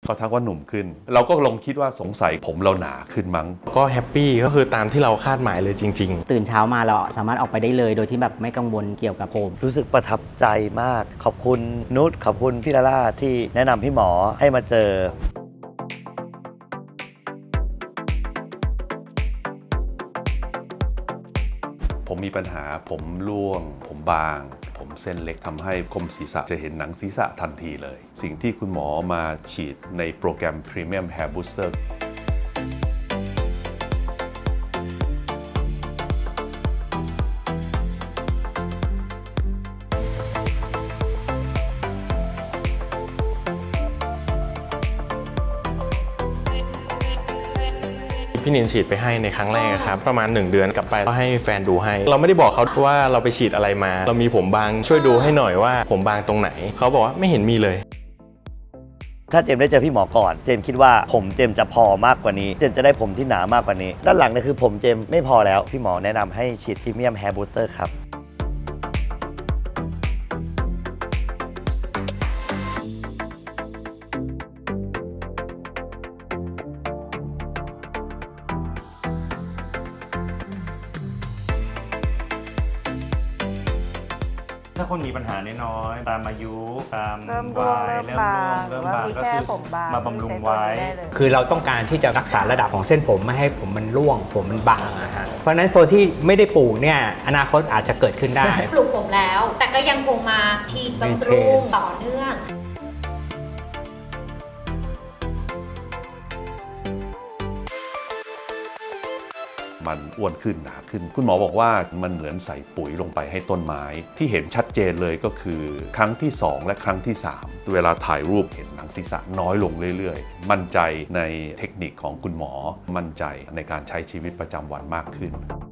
เขาทักว่าหนุ่มขึ้นเราก็ลองคิดว่าสงสัยผมเราหนาขึ้นมั้งก็แฮปปี้ก็คือตามที่เราคาดหมายเลยจริงๆตื่นเช้ามาเราสามารถออกไปได้เลยโดยที่แบบไม่กังวลเกี่ยวกับผมรู้สึกประทับใจมากขอบคุณนุชขอบคุณพี่ลาล่าที่แนะนำพี่หมอให้มาเจอผมมีปัญหาผมร่วงผมบางผมเส้นเล็กทำให้คมศีรษะจะเห็นหนังศีรษะทันทีเลยสิ่งที่คุณหมอมาฉีดในโปรแกรม Premium Hair Booster พี่นินฉีดไปให้ในครั้งแรกครับประมาณ1 เดือนกลับไปก็ให้แฟนดูให้เราไม่ได้บอกเขาว่าเราไปฉีดอะไรมาเรามีผมบางช่วยดูให้หน่อยว่าผมบางตรงไหนเขาบอกว่าไม่เห็นมีเลยถ้าเจมได้เจอพี่หมอก่อนเจมคิดว่าผมเจมจะพอมากกว่านี้เจมจะได้ผมที่หนามากกว่านี้ด้านหลังเนี่ยคือผมเจมไม่พอแล้วพี่หมอแนะนำให้ฉีดพรีเมียมแฮร์บูสเตอร์ครับถ้าคนมีปัญหาน้อยๆตามอายุตามเริ่มร่วงวัยเริ่มบางเริ่มว่าบางมีก็แค่คือผมบางมาบำรุงใช้ตัวไว้นี้ได้เลยคือเราต้องการที่จะรักษาระดับของเส้นผมไม่ให้ผมมันร่วงผมมันบางนะฮะเพราะฉะนั้นโซนที่ไม่ได้ปลูกเนี่ยอนาคตอาจจะเกิดขึ้นได้ปลูกผมแล้ว แต่ก็ยังคงมาฉีดบำรุงต่อเนื่องมันอ้วนขึ้นหนาขึ้นคุณหมอบอกว่ามันเหมือนใส่ปุ๋ยลงไปให้ต้นไม้ที่เห็นชัดเจนเลยก็คือครั้งที่2และครั้งที่3เวลาถ่ายรูปเห็นหนังศีรษะน้อยลงเรื่อยๆมั่นใจในเทคนิคของคุณหมอมั่นใจในการใช้ชีวิตประจำวันมากขึ้น